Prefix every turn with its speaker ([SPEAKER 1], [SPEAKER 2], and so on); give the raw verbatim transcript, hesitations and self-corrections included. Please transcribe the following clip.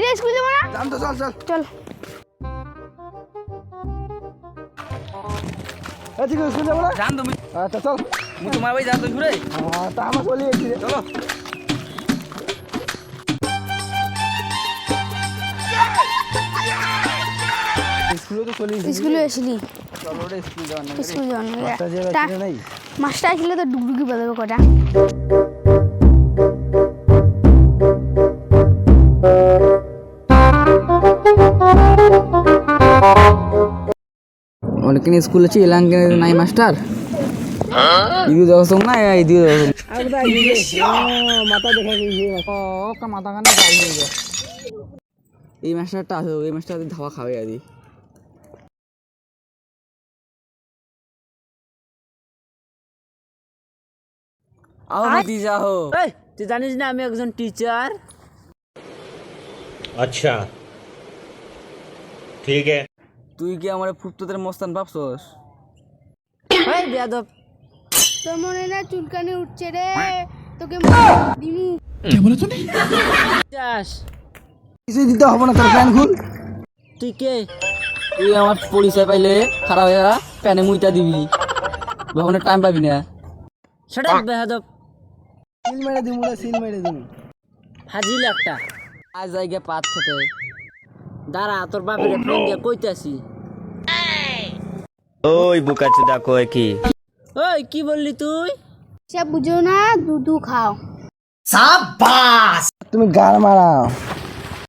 [SPEAKER 1] স্কুলে স্কুলে যাব না
[SPEAKER 2] যাম তো চল চল
[SPEAKER 1] চল
[SPEAKER 2] এ ঠিক আছে স্কুলে যাব না
[SPEAKER 3] যাম তুমি
[SPEAKER 2] আচ্ছা চল
[SPEAKER 3] মু তোমার বাড়ি যাও তো ঘুরে
[SPEAKER 2] হ্যাঁ তা আমার চলে এসেছি
[SPEAKER 3] চলো
[SPEAKER 2] স্কুলে তো চলে এসেছি
[SPEAKER 1] স্কুলে আসলি
[SPEAKER 2] চলো রে স্কুল যাওয়ার না
[SPEAKER 1] স্কুল যাও না
[SPEAKER 2] মাস্টার যে
[SPEAKER 1] তা
[SPEAKER 2] বাচ্চা নাই
[SPEAKER 1] মাস্টার আসলে তো ডুগডুগি বাজাবে কটা
[SPEAKER 3] অনেকদিন স্কুল আছে এলাঙ্কে নাই মাস্টার ইদিও যাওয়া না ইদিও
[SPEAKER 2] আগদা ইয়ে মাথা দেখা গিয়ে
[SPEAKER 3] ও কা মাথা কানে গাল হয়ে যায় এই মাস্টারটা আছে এই মাস্টার ধাওয়া খাবে আদি आओ बेटी जाओ
[SPEAKER 4] এই তুই জানিস না আমি একজন টিচার
[SPEAKER 5] अच्छा ठीक है
[SPEAKER 3] তুই কি আমার ফুটতোদের মস্তান ভাবছস
[SPEAKER 4] এই বেয়াদব
[SPEAKER 1] তোর মনে না চুলকানি উঠছে রে তোকে দিমু
[SPEAKER 4] চাস
[SPEAKER 2] কিছু দিতে হবে না তোর প্ল্যান খুল
[SPEAKER 4] তুই কে
[SPEAKER 3] তুই আমার পরিচয় পাইলে খারাপ হয়ে যা প্যানে মুইটা দিবি ভবনের টাইম পাবি না
[SPEAKER 4] সেটা বেয়াদব
[SPEAKER 2] সিল মেরে দিমু রে সিল মেরে দিমু
[SPEAKER 4] হাজিল একটা
[SPEAKER 3] আজ জায়গা পাঁচ সাথে
[SPEAKER 4] দাঁড়া তোর বাপের ফোন দিয়ে কইতাছি
[SPEAKER 5] ओए बुकाचुदा कोई की
[SPEAKER 4] ওই কি বললি তুই
[SPEAKER 1] সব বুঝো না দুধু খাও
[SPEAKER 2] তুমি গাল মারাও